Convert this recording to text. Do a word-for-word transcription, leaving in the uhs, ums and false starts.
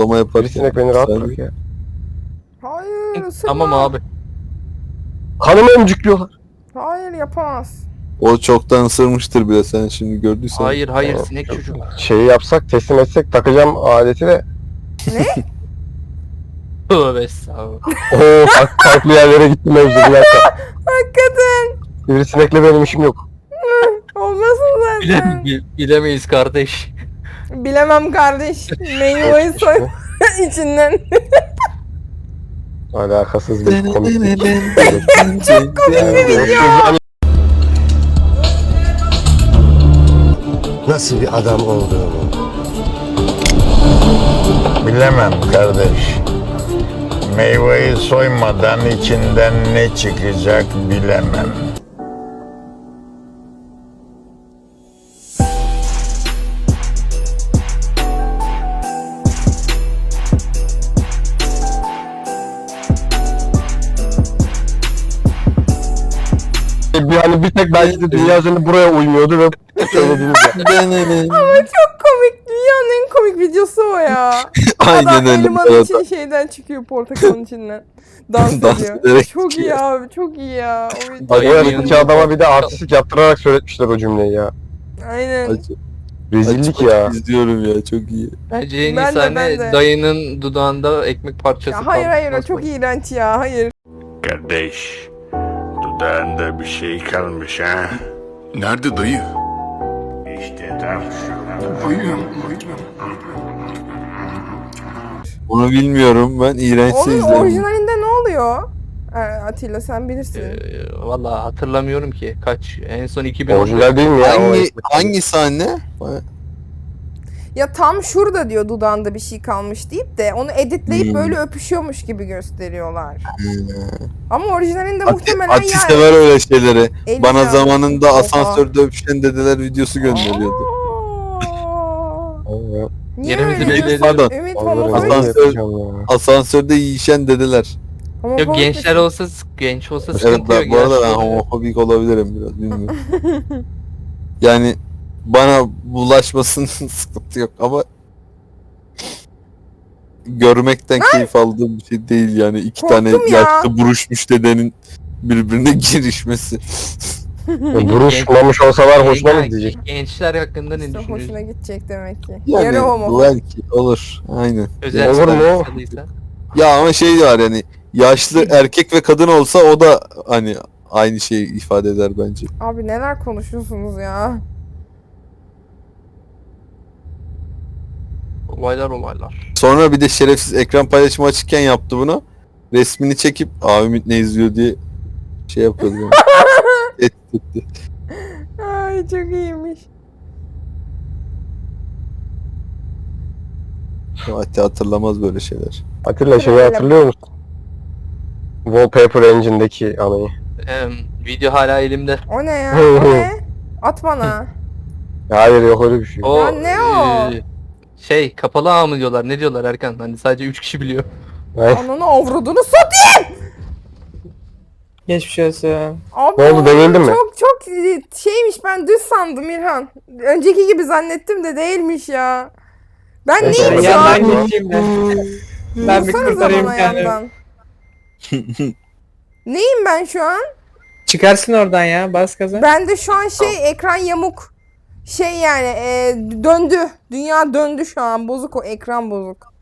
Kovalama yapar. Bir sinek beni rahat bırak ya. Hayır ısırma. Tamam abi. Kanımı emcikliyorlar. Hayır yapamaz. O çoktan ısırmıştır bile, sen şimdi gördüysen. Hayır hayır Tamam. sinek çocuk. Şeyi yapsak, teslim etsek, takacağım aleti de. Ne? Tövbe estağfurullah. Ooo farklı, farklı yerlere gittim mevzu, bir dakika. Hakikaten. Sivrisinekle benim işim yok. Olmasın zaten. Bile, bilemeyiz kardeş. Bilemem kardeş. Meyveyi soy içinden. Alakasız bir komik. Çok komik bir video. Nasıl bir adam olduğunu Bilemem kardeş. Meyveyi soymadan içinden ne çıkacak bilemem. Bir hani bir tek belki de dünya üzerinde buraya uymuyordu ve söylediğiniz ya. Ama çok komik. Dünyanın en komik videosu o ya. Aynen Adam öyle. elmanın için şeyden çıkıyor, portakalın içinden. Dans, Dans ediyor. ederek Çok iyi çıkıyor. abi, çok iyi ya. O video. Bak o Aynen. yaştaki adama bir de artistik yaptırarak söyletmişler o cümleyi ya. Aynen. Acı, Rezillik acı ya. izliyorum ya, çok iyi. Bence en iyi Ben de, ben sahne de. dayının dudağında ekmek parçası Ya hayır hayır o kalması. çok iğrenç ya, hayır. Kardeş, dudağında bir şey kalmış ha? Nerede dayı? İşte tam şurada. Onu bilmiyorum ben, iğrençse Onun izlerim. orijinalinde ne oluyor? Ee, Atilla sen bilirsin. Ee, Valla hatırlamıyorum ki. Kaç? En son iki bin on. Orijinal değil mi ya? O Hangi, eski- hangi sahne? Ya tam şurada diyor dudağında bir şey kalmış deyip de onu editleyip Hmm. böyle öpüşüyormuş gibi gösteriyorlar. Ama orijinalinde Ati, muhtemelen Ati yani. sever öyle şeyleri. Eli Bana yanmış. zamanında Oha. asansörde öpüşen dedeler videosu gönderiyordu. Aa. Evet. Niye Yerimizi öyle belli diyorsun? edelim. Pardon. Ümit Onları homofobik. ben de Asansör- yapacağım ya. Asansörde yiyişen dedeler. Homofobik Yok gençler misin? olsa genç olsa Evet, sıkıntı yok. ben, bu arada ben Yaşlı- homofobik olabilirim biraz, bilmiyorum. Yani bana bulaşmasının sıkıntı yok ama görmekten keyif aldığım bir şey değil yani, iki Korktum tane ya. yaşlı buruşmuş dedenin birbirine girişmesi. E, Duruşmamış olsalar hoşuna mı Genç- gidecek? Gençler hakkında ne İşte hoşuna düşünüyorsun? gidecek demek ki. Yani Yarı homofobik. belki olur, aynen. Özel Olur mu? çıkartılıysa. Ya ama şey var yani, yaşlı erkek ve kadın olsa o da hani aynı şeyi ifade eder bence. Abi neler konuşuyorsunuz ya? Olaylar olaylar. Sonra bir de şerefsiz ekran paylaşımı açıkken yaptı bunu. Resmini çekip "Aa, Ümit ne izliyor" diye şey yapıyordu. Yani. Et etti. Ay çok iyiymiş. Ati hatırlamaz böyle şeyler. Atilla şeyi Öyle. hatırlıyor musun? Wallpaper Engine'deki anayı. Em, video hala elimde. O ne ya? O ne? At bana. Hayır yok öyle bir şey. O Ya ne o? e, şey kapalı ağ mı diyorlar? Ne diyorlar Erkan? Hani sadece üç kişi biliyor. Ay, Ananı avradını satayım. Geçmiş olsun. Abi Ne oldu, devildin mi? Çok çok şeymiş, ben düz sandım İlhan. Önceki gibi zannettim de değilmiş ya. Ben Neyse, neyim şu Yandan an? geçeyim ben. Ben bir Vursanıza kurtarayım bana kendimi. yandan. Neyim ben şu an? Çıkarsın oradan ya, bas gaza. Ben de şu an şey ekran yamuk. Şey yani e, döndü. Dünya döndü şu an. Bozuk, o ekran bozuk.